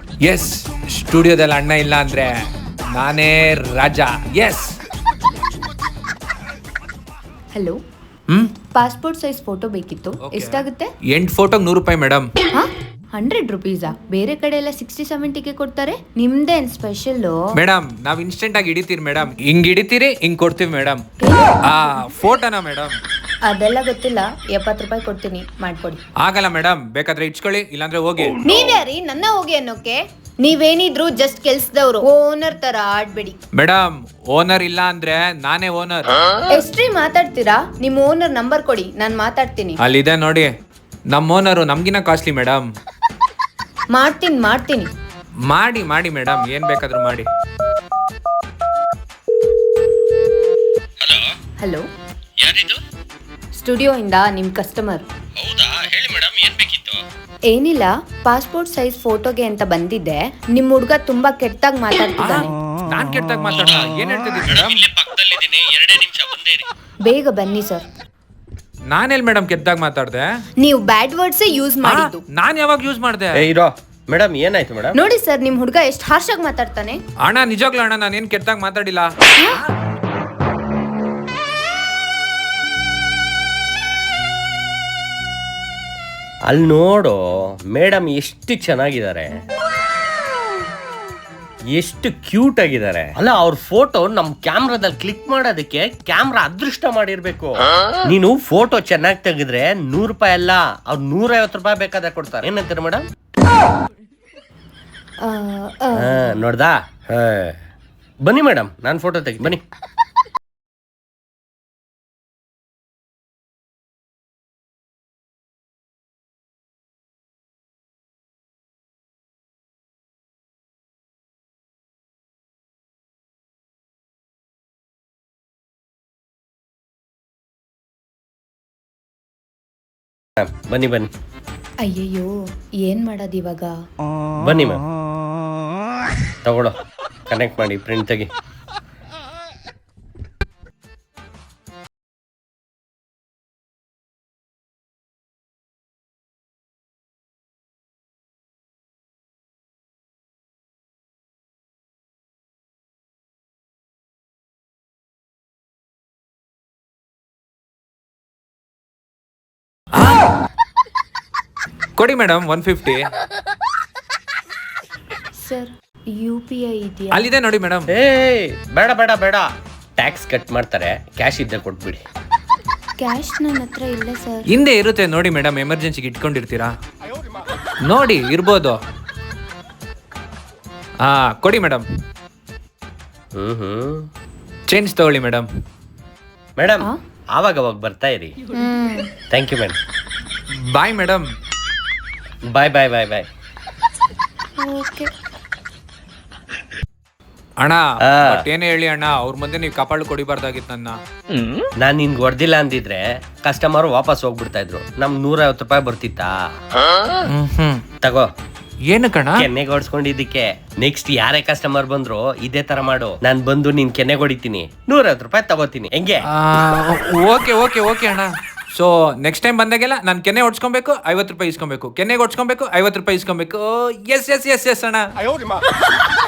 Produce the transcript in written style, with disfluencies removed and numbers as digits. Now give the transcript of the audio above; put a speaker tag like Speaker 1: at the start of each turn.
Speaker 1: S, ಸ್ಟುಡಿಯೋದಲ್ಲಿ ಅಣ್ಣ ಇಲ್ಲ ಅಂದ್ರೆ ನಾನೇ Raja. Yes.
Speaker 2: Hello, passport size photo ಬೇಕಿತ್ತು. ಎಷ್ಟಾಗುತ್ತೆ?
Speaker 1: 8 ಫೋಟೋಗೆ 100 ರೂಪಾಯಿ ಮೇಡಮ್.
Speaker 2: 100 ರುಪೀಸಾ? ಬೇರೆ ಕಡೆ ಎಲ್ಲ 60-70ಗೆ ಕೊಡ್ತಾರೆ. ನಿಮ್ದೇನ್ ಸ್ಪೆಷಲ್?
Speaker 1: ಮೇಡಮ್ ನಾವ್ ಇನ್ಸ್ಟೆಂಟ್ ಆಗಿ ಹಿಡಿತೀರಿ ಮೇಡಮ್. ಹಿಂಗ್ ಹಿಡಿತೀರಿ, ಹಿಂಗ್ ಕೊಡ್ತೀವಿ ಮೇಡಮ್. ಫೋಟೋನಾ ಮೇಡಮ್?
Speaker 2: ಅದೆಲ್ಲ ಗೊತ್ತಿಲ್ಲ. 70 ರೂಪಾಯಿ ಕೊಡ್ತೀನಿ, ಮಾಡ್ಕೊಡಿ.
Speaker 1: ಆಗಲ್ಲ ಮೇಡಮ್, ಬೇಕಾದ್ರೆ ಇಟ್ಸ್ಕೊಳ್ಳಿ, ಇಲ್ಲಾಂದ್ರೆ ಹೋಗಿ.
Speaker 2: ನೀವ್ಯಾರಿ ನನ್ನ ಹೋಗಿ ಅನ್ನೋಕೆ? ನೀವೇನಿದ್ರು ಜಸ್ಟ್ ಕೆಲ್ಸದವ್ರು, ಓನರ್ ತರ ಆಡ್ಬೇಡಿ.
Speaker 1: ಮೇಡಮ್ ಓನರ್ ಇಲ್ಲ ಅಂದ್ರೆ ನಾನೇ ಓನರ್.
Speaker 2: ಎಷ್ಟ್ರಿ ಮಾತಾಡ್ತೀರಾ? ನಿಮ್ ಓನರ್ ನಂಬರ್ ಕೊಡಿ, ನಾನ್ ಮಾತಾಡ್ತೀನಿ.
Speaker 1: ಅಲ್ಲಿದೆ ನೋಡಿ, ನಮ್ಮ ಓನರು ನಮ್ಗಿನ ಕಾಸ್ಟ್ಲಿ ಮೇಡಮ್.
Speaker 2: ಮಾಡ್ತೀನಿ.
Speaker 1: ಮಾಡಿ ಮಾಡಿ ಮೇಡಮ್, ಏನ್ ಬೇಕಾದ್ರೂ ಮಾಡಿ.
Speaker 2: ಹಲೋ,
Speaker 3: ಯಾರಿದು?
Speaker 2: ಸ್ಟುಡಿಯೋ ಇಂದ ನಿಮ್ ಕಸ್ಟಮರ್.
Speaker 3: ಹೌದಾ, ಹೇಳಿ ಮೇಡಮ್, ಏನ್ ಬೇಕಿತ್ತು?
Speaker 2: ಏನಿಲ್ಲ, ಪಾಸ್ಪೋರ್ಟ್ ಸೈಜ್ ಫೋಟೋಗೆ ಅಂತ ಬಂದಿದ್ದೆ. ನಿಮ್ ಹುಡ್ಗ ತುಂಬಾ ಕೆಟ್ಟದಾಗಿ ಮಾತಾಡ್ತಿದ್ದಾನೆ.
Speaker 1: ನಾನ್ ಕೆಟ್ಟದಾಗ ಮಾತಾಡ, ಏನ್ ಹೇಳ್ತಿದ್ದೀನಿ ಮೇಡಮ್?
Speaker 3: ಇಲ್ಲೇ ಪಕ್ಕದಲ್ಲಿದ್ದೀನಿ, 2 ನಿಮಿಷ ಬಂದೇ ಇರಿ.
Speaker 2: ಬೇಗ ಬನ್ನಿ ಸರ್.
Speaker 1: ನಾನೆಲ್ ಮೇಡಮ್ ಕೆಟ್ಟದಾಗ ಮಾತಾಡ್ದೆ?
Speaker 2: ನೀವು ಬ್ಯಾಡ್ ವರ್ಡ್ಸ್ ಯೂಸ್ ಮಾಡಿದ್ದು.
Speaker 1: ನಾನ್ ಯಾವಾಗ ಯೂಸ್ ಮಾಡ್ದೆ?
Speaker 3: ಇರೋ ಮೇಡಮ್, ಏನಾಯ್ತು ಮೇಡಮ್?
Speaker 2: ನೋಡಿ ಸರ್, ನಿಮ್ ಹುಡ್ಗ ಎಷ್ಟು ಹಾರ್ಶ್ ಆಗಿ ಮಾತಾಡ್ತಾನೆ.
Speaker 1: ಅಣ್ಣ ನಿಜವಾಗ್ಲೂ ಅಣ್ಣ, ನಾನೇನ್ ಕೆಟ್ಟದಾಗ ಮಾತಾಡಿಲ್ಲ.
Speaker 3: ಅಲ್ಲಿ ನೋಡು ಮೇಡಮ್, ಎಷ್ಟು ಚೆನ್ನಾಗಿದ್ದಾರೆ, ಎಷ್ಟು ಕ್ಯೂಟ್ ಆಗಿದ್ದಾರೆ. ಅಲ್ಲ, ಅವ್ರ ಫೋಟೋ ನಮ್ ಕ್ಯಾಮ್ರಾದಲ್ಲಿ ಕ್ಲಿಕ್ ಮಾಡೋದಕ್ಕೆ ಕ್ಯಾಮ್ರಾ ಅದೃಷ್ಟ ಮಾಡಿರ್ಬೇಕು. ನೀನು ಫೋಟೋ ಚೆನ್ನಾಗಿ ತೆಗೆದ್ರೆ 100 ರೂಪಾಯಿ ಅಲ್ಲ, ಅವ್ರು 150 ರೂಪಾಯಿ ಬೇಕಾದ್ರೆ ಕೊಡ್ತಾರೆ. ಏನಂತಾರೆ ಮೇಡಮ್? ನೋಡ್ದಾ? ಬನ್ನಿ ಮೇಡಮ್, ನಾನು ಫೋಟೋ ತೆಗಿ, ಬನ್ನಿ. ಬನ್ನಿ ಬನ್ನಿ
Speaker 2: ಅಯ್ಯಯ್ಯೋ, ಏನ್ ಮಾಡೋದು ಇವಾಗ?
Speaker 3: ಬನ್ನಿ ಮ್ಯಾಮ್, ತಗೊಳ್ಳೋ, ಕನೆಕ್ಟ್ ಮಾಡಿ, ಪ್ರಿಂಟ್ ತೆಗಿ.
Speaker 1: ಕೊಡಿ ಮೇಡಮ್ 150.
Speaker 2: ಸರ್, UPI ಇದೆಯಾ?
Speaker 1: ಅಲ್ಲಿದೆ ನೋಡಿ ಮೇಡಮ್.
Speaker 3: ಬೇಡ ಬೇಡ ಬೇಡ, ಟ್ಯಾಕ್ಸ್ ಕಟ್ ಮಾಡ್ತಾರೆ, ಕ್ಯಾಶ್ ಇದ್ದ ಕೊಟ್ಬಿಡಿ.
Speaker 2: ಕ್ಯಾಶ್ ನನ್ನ ಹತ್ರ ಇಲ್ಲ ಸರ್.
Speaker 1: ಹಿಂದೆ ಇರುತ್ತೆ ನೋಡಿ ಮೇಡಮ್, ಎಮರ್ಜೆನ್ಸಿಗೆ ಇಟ್ಕೊಂಡಿರ್ತೀರಾ ನೋಡಿ, ಇರ್ಬೋದು. ಕೊಡಿ ಮೇಡಮ್. ಚೇಂಜ್ ತಗೊಳ್ಳಿ ಮೇಡಮ್.
Speaker 3: ಮೇಡಮ್ ಆವಾಗ ಬರ್ತಾ ಇರಿ. Thank you madam.
Speaker 1: Bye madam.
Speaker 3: Bye bye bye bye.
Speaker 2: Okay
Speaker 1: ಅಣ್ಣ, ಏನೇ ಹೇಳಿ ಅಣ್ಣ, ಅವ್ರ ಮುಂದೆ ನೀವು ಕಪಾಳು ಕೊಡಿಬಾರ್ದಾಗಿತ್ತು ನನ್ನ.
Speaker 3: ನಾನ್ ನಿನ್ಗೆ ಹೊಡೆದಿಲ್ಲ ಅಂದಿದ್ರೆ ಕಸ್ಟಮರ್ ವಾಪಸ್ ಹೋಗ್ಬಿಡ್ತಾ ಇದ್ರು, ನಮ್ 150 ರೂಪಾಯಿ ಬರ್ತಿತ್ತಾ? ತಗೋ.
Speaker 1: ಏನು ಕಣ?
Speaker 3: ಕೆನ್ನೆಗೆ ಹೊಡ್ಸ್ಕೊಂಡಿದ್ದಕ್ಕೆ. ನೆಕ್ಸ್ಟ್ ಯಾರೇ ಕಸ್ಟಮರ್ ಬಂದ್ರು ಇದೇ ತರ ಮಾಡು, ನಾನ್ ಬಂದು ನಿನ್ ಕೆನ್ನೆಗೆ ಹೊಡಿತೀನಿ, 150 ರೂಪಾಯಿ ತಗೋತೀನಿ, ಹೆಂಗೆ?
Speaker 1: ಓಕೆ ಓಕೆ ಓಕೆ ಅಣ್ಣ. ಸೊ ನೆಕ್ಸ್ಟ್ ಟೈಮ್ ಬಂದಾಗೆಲ್ಲ ನಾನು ಕೆನ್ನೆ ಹೊಡ್ಸ್ಕೊಬೇಕು, 50 ರೂಪಾಯಿ ಇಸ್ಕೊಬೇಕು, ಕೆನ್ನೆಗೆ ಹೊಡ್ಸ್ಕೊಬೇಕು, 50 ರೂಪಾಯಿ ಇಸ್ಕೊಬೇಕು. ಎಸ್ ಎಸ್ ಎಸ್ ಎಸ್ ಅಣ್ಣ.